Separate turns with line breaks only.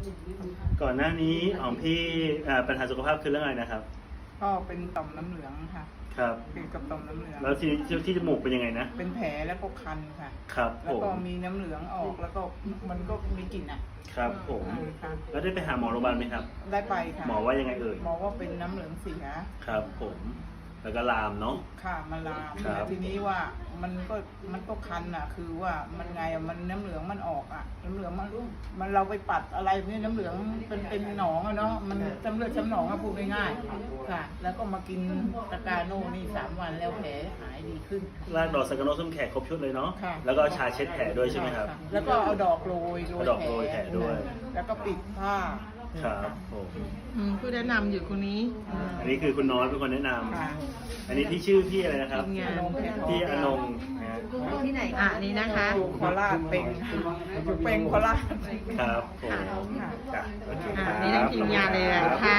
ก่อนหน้านี้ของพี่ปัญหาสุขภาพคือเรื่องอะไรนะครับ
ก็เป็นต่อมน้ำเหลืองค่ะ
ครับ
เกี่ยวกับต่อมน้ำเหลือง
แล้วที่จมูกเป็นยังไงนะ
เป็นแผลแล้วก็คันค่ะ
ครับ
แล้
ผ
วก็
ม
มีน้ำเหลืองออกแล้วก็มันก็มีกลิ่นอ่ะ
ครับผม
ค่ะ
แล้วได้ไปหาหมอโรงพยาบาลไหมครับ
ได้ไปค่ะ
หมอว่ายังไงเอ่ย
หมอว่าเป็นน้ำเหลืองเสีย
ครับผมแล้วก็ลามเนาะ
ค่ะมาลาม
ครับ
แล้วทีนี้ว่ามันก็คันอ่ะ คือว่ามันไงอะมันน้ำเหลืองมันออกอ่ะน้ำเหลืองมันเราไปปัดอะไรเนี่ยน้ำเหลืองเป็นหนองอะเนาะมันจำเลือดจำหนองอะพูดง่ายๆค่ะ แล้วก็มากินตะกาโน่นี่3 วันแล้วแผลหายดีขึ้น
รากดอกสังกะโนส้มแขกครบชุดเลยเนาะ
ค่ะ
แล้วก็ชาเช็ดแผลด้วยใช่ไหมครับ
ะแล้วก็เอาดอกโรย
เอาดอกโรยแผลด้วย
แล้วก็ปิดผ้า
ครับผม
ผู้แนะนำอยู่คนนี้
อันนี้คือคุณน้อยเป็นคนแนะน
ค่ะ
ำอันนี้พี่ชื่อพี่อะไรนะครับ
ทีมงาน
พี่อนงนะฮะ
ที่ไหน
อ่ะนี่นะคะ
อยู่โคราชเป็นอยู่เป็นโคราช
ครับผม
ค่ะ
จ้ะโอเค
อ่ะ
ครับ
นี่ทั้งทีมงานเลยอะค่ะ